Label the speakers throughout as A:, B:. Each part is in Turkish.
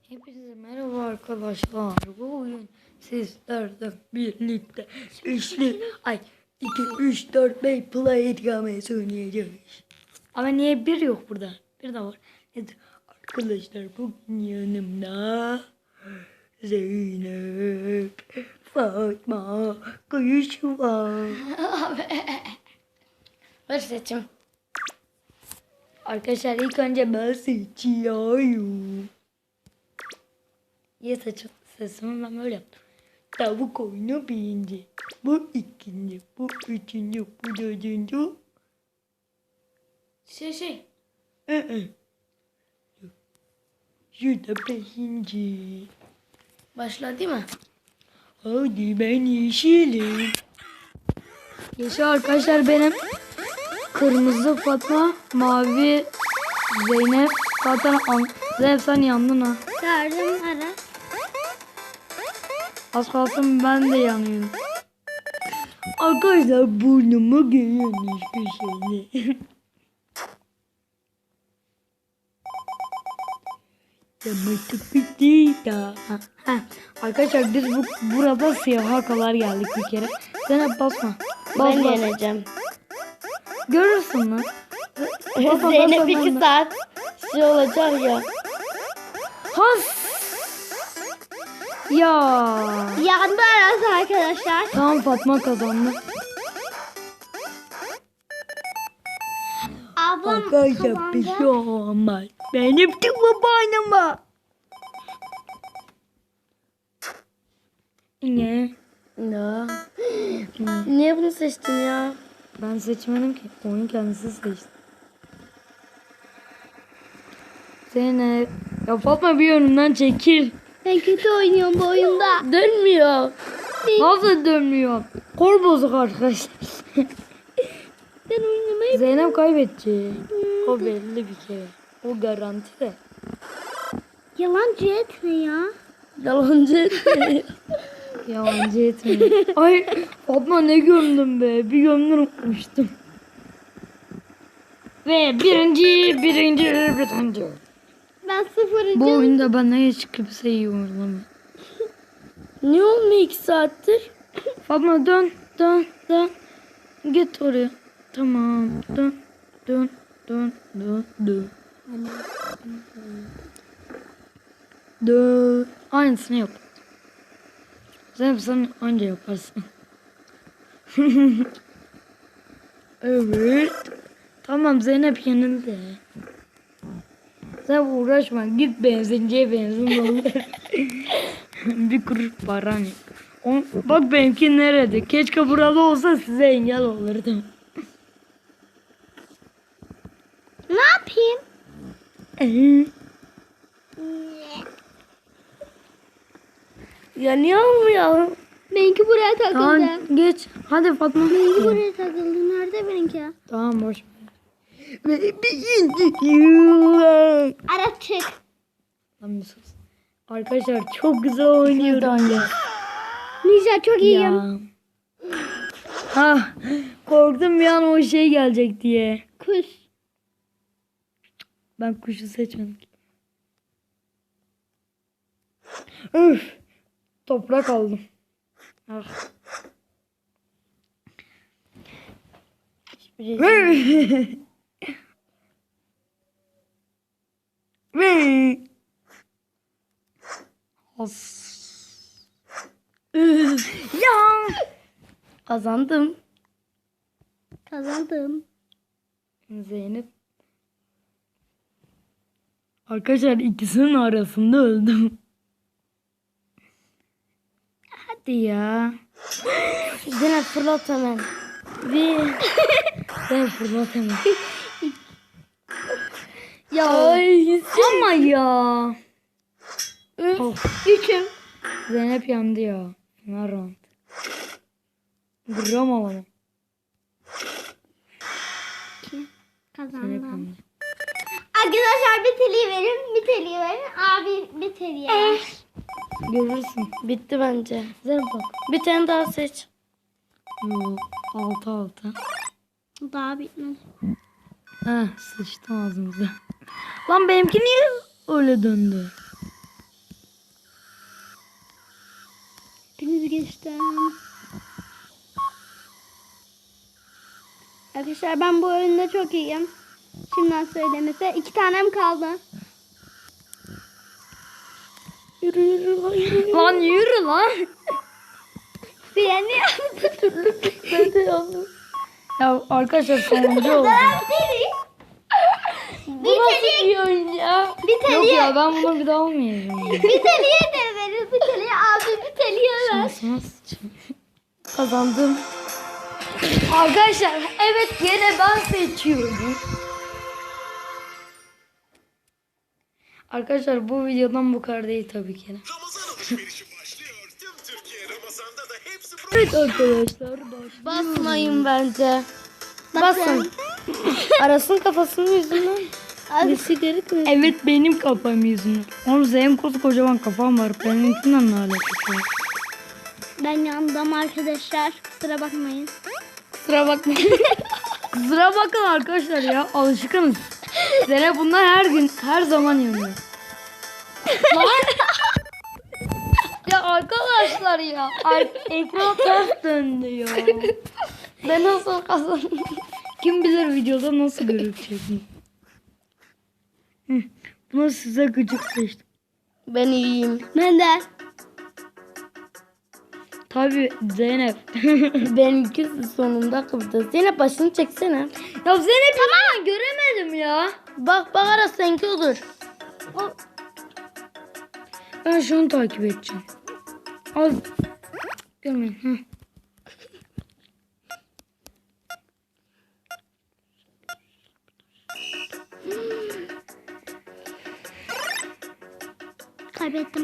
A: Hepinize merhaba arkadaşlar. Bugün sizlerle birlikte 2, 3, 4, 5 play etkilemesi oynayacağız. Ama niye bir yok burada? Bir de var. Evet, arkadaşlar bugün yanımda Zeynep, Fatma, Kuyuşu var.
B: Ver seçim.
A: Arkadaşlar ilk önce ben seçiyorum. Sesimi ben böyle yaptım. Tavuk oyunu birinci. Bu ikinci. Bu üçüncü. Bu dördüncü. Şurada beşinci.
B: Başla değil mi?
A: Hadi ben yeşilim. Yeşil arkadaşlar benim. Kırmızı Fatma. Mavi Zeynep. Zaten Zeynep sen yandın ha.
B: Gördüm ara.
A: Az kalsın ben de yanıyorum. Arkadaşlar burnumu görüyormuş bir şey. Yamatık bitti daha. Arkadaşlar biz burada siyaha kadar geldik bir kere. Sen hep basma.
B: Ben yeneceğim.
A: Görürsün lan.
B: Zeynep 2 saat şey olacak ya.
A: Has. Ya.
B: Yandı arası arkadaşlar.
A: Tamam Fatma kazandı.
B: Ablam
A: Arkadaşlar bir şey olmaz. Benim de babanıma. Ne?
B: Ne? Niye bunu seçtin ya?
A: Ben seçmedim ki. Oyun kendisi seçti. Zeynep. Ya Fatma bir önümden çekil.
B: Ben kötü oynuyorum bu oyunda. Dönmüyor.
A: Nasıl dönmüyor? Kol bozuk arkadaşlar.
B: Ben oynamayı...
A: Zeynep kaybedecek. O belli bir kere. O garanti de.
B: Yalancı etme ya. Yalancı etme.
A: Yalancı etme. Ay Fatma ne gömdüm be. Bir gömdüm unutmuştum. Ve birinci.
B: Ben sıfırıncı.
A: Bu oyunda bana hiç kimse iyi oynamıyor.
B: Ne olmuyor 2 saattir?
A: Fatma dön. Git oraya. Tamam. Dön. Dön. Aynısını yap. Sen anca yaparsın. Evet. Tamam Zeynep yenildi. Sen uğraşma. Git benzinciye benzin olur. Bir kuruş para ne? Bak benimki nerede? Keşke burada olsa size engel olurdum.
B: Ne yapayım? Ya niye olmuyor? Benimki buraya takıldı.
A: Tamam geç. Hadi Fatma.
B: Benimki buraya takıldı. Nerede benimki?
A: Tamam boş.
B: Ara çık.
A: Lan bir sus. Arkadaşlar çok güzel oynuyorum ya.
B: Ninja çok iyiyim.
A: Ya. Ha, korktum bir an o şey gelecek diye.
B: Kuş.
A: Ben kuşu seçmedim. Üf. Toprak aldım. Ah. Ya.
B: Kazandım.
A: Zeynep. Arkadaşlar ikisinin arasında öldüm. Hadi ya.
B: Zeynep fırlat hemen.
A: Ben fırlat hemen.
B: Ya.
A: Ama ya. Of.
B: Üçüm.
A: Zeynep yandı ya. Ne round. Gram alalım. Zeynep
B: Kazandım.
A: yandı.
B: Arkadaşlar bir teliği verin. Abi bir teliği.
A: Görürsün.
B: Bitti bence.
A: Zeynep bak.
B: Bir tane daha seç.
A: Yok. 6.
B: Daha bitmedi.
A: Sıçtım ağzımıza. Lan benimki niye öyle döndü?
B: yüzgeçten. Arkadaşlar ben bu oyunda çok iyiyim. Şimdiden söylemese. 2 tanem kaldı. Yürü yürü lan yürü.
A: Lan yürü lan.
B: Freni
A: Ben de yandım. Ya arkadaşlar sonuncu oldu. Bu nasıl bir oyun ya?
B: Bir
A: Yok
B: teliye,
A: ya ben bunu bir daha almayacağım.
B: bir teliye de verir. Bir teliye abi bir teliye ver.
A: Şansıma sıçayım. Kazandım. Arkadaşlar evet yine ben seçiyorum. Arkadaşlar bu videodan bu kadar değil tabii ki.
C: Ramazan alışverişi başlıyor. Tüm Türkiye Ramazan'da da hepsi
A: Evet arkadaşlar başlıyor.
B: Basmayın bence.
A: Basın. Arasın kafasının yüzünden.
B: Abi,
A: Evet benim kafam yüzünden. Oğlum senin koskocaman kafam var. Benimkinden ne alakası var?
B: ben yandım arkadaşlar. Kusura bakmayın.
A: Kusura bakmayın. Kusura bakın arkadaşlar ya. Alışkınız. Zeynep bunlar her gün her zaman yanıyor. Lan. Ya arkadaşlar ya. Ekran ters döndü ya. Ben nasıl kazandım? Kim bilir videoda nasıl görülecek? Bunu size gıcık seçtim.
B: Ben iyiyim. Ben de.
A: Tabii Zeynep.
B: Benimki sonunda kıvırdı. Zeynep başını çeksene.
A: Ya Zeynep tamam göremedim ya.
B: Bak bak arası seninki olur.
A: Ben şunu takip edeceğim. Al. Görmeyin. Hı.
B: Kaybettim.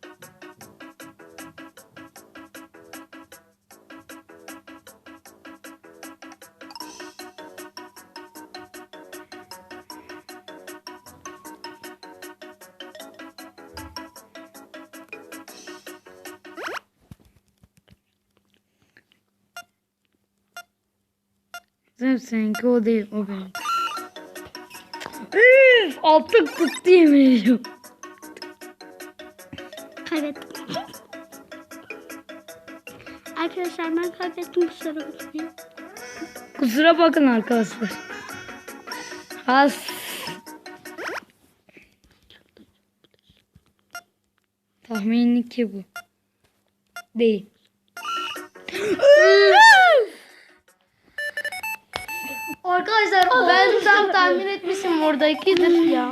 A: Zeynep seninki o değil o benim. Üf, altı tuttu yemin ediyorum.
B: Kaybettim. Arkadaşlar ben kaybettim. Kusura bakmayın.
A: Kusura bakın arkadaşlar. Has. Tahminli ki bu. Değil. Arkadaşlar
B: Ben tam tahmin etmişim orada ikidir ya.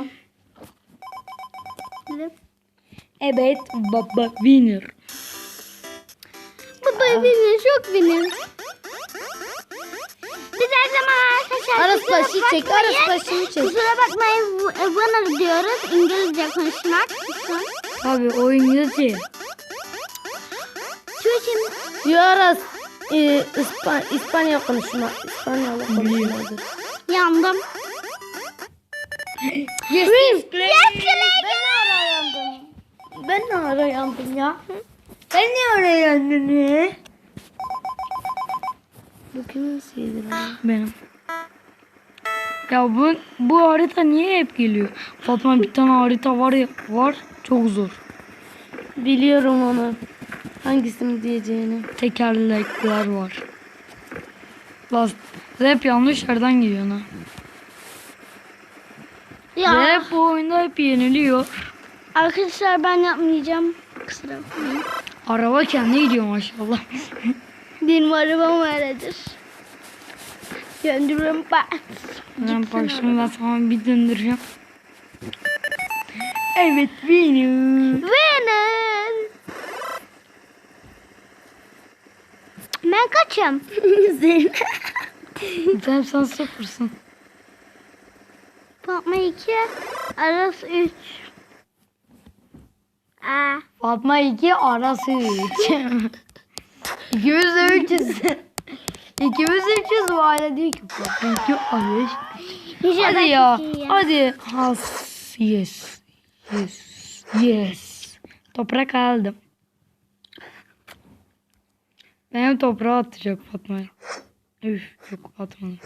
A: evet baba winner.
B: Baba benim çok benim. Biz her zaman arkadaşlar
A: Arası başı çek, arası başını çek.
B: kusura bakmayın bana diyoruz İngilizce konuşmak.
A: Tabii o İngilizce.
B: Çocuğum
A: Diyoruz. İspanya konuşma. İspanyol konuşmadır.
B: yandım.
A: Yes,
B: Ben ne ara yandım ya?
A: Sen ne oraya yandın ya?
B: Bu kimin şeyidir
A: Benim. Ya bu harita niye hep geliyor? Fatma bir tane harita var ya var çok zor.
B: Biliyorum onu. Hangisini diyeceğini.
A: Tekerlekler var. Hep yanlış yerden gidiyor ha.
B: Ya
A: Hep bu oyunda hep yeniliyor.
B: arkadaşlar ben yapmayacağım. Kusura bakmayın.
A: Araba kendi gidiyor maşallah.
B: Benim arabam öyledir. Döndürüm ben.
A: Ben başımı ben sana bir döndüreceğim. Evet benim.
B: Benim. Ben kaçım?
A: Sen sıfırsın.
B: Fatma 2, Aras 3.
A: Fatma 2 arası 3. İkimiz de 3'üz. İkimiz de 3'üz bu aile diyor ki Fatma 2 arası. Hadi ya. Hadi. Has. Yes. Yes. Yes. Toprak aldım. Benim toprağa atacak Fatma'ya. Üf yok atmadım.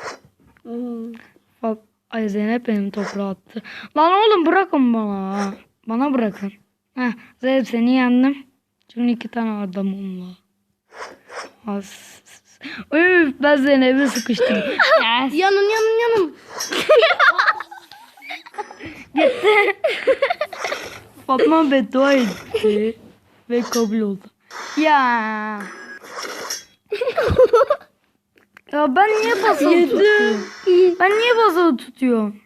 A: Ay Zeynep benim toprağa attı. Lan oğlum bırakın bana. Bana bırakın. Heh, Zeynep seni yendim. Şimdi 2 tane adamım var. As. Üf, ben seni eve sıkıştım. Yes.
B: Yanım.
A: Fatma beddua etti. Ve kabul oldu. Ya. Ya ben niye basılı tutuyorum? Ben niye basılı tutuyorum?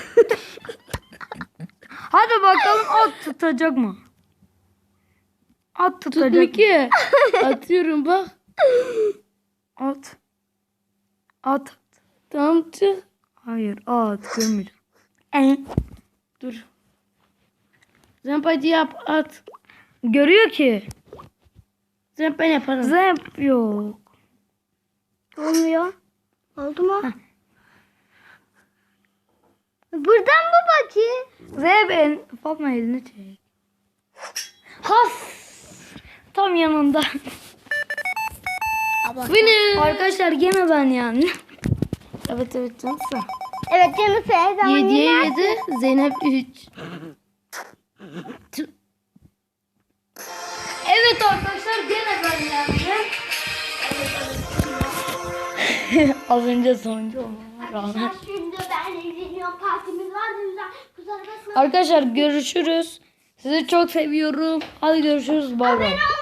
A: Hadi bakalım at tutacak mı? At tutacak mı?
B: ki. Atıyorum bak.
A: At. At.
B: Tamam çık.
A: Hayır at görmeyeceğim.
B: Dur. Zempacı yap at.
A: Görüyor ki.
B: Zempa yaparım.
A: Zep yok.
B: Olmuyor. Oldu mu? Buradan mı bakayım?
A: Zep Fatma elini çek. Has. Tam yanında.
B: Winner.
A: Arkadaşlar gene ben yani.
B: Evet canısı. Evet canısı her zaman 7'ye 7. Zeynep 3.
A: Evet arkadaşlar gene ben yani. Az önce sonuncu olmama rağmen.
B: Şimdi ben izleniyorum. Partimiz var da güzel. Kusura bakma.
A: Arkadaşlar görüşürüz. Sizi çok seviyorum. Hadi görüşürüz. Bay bay.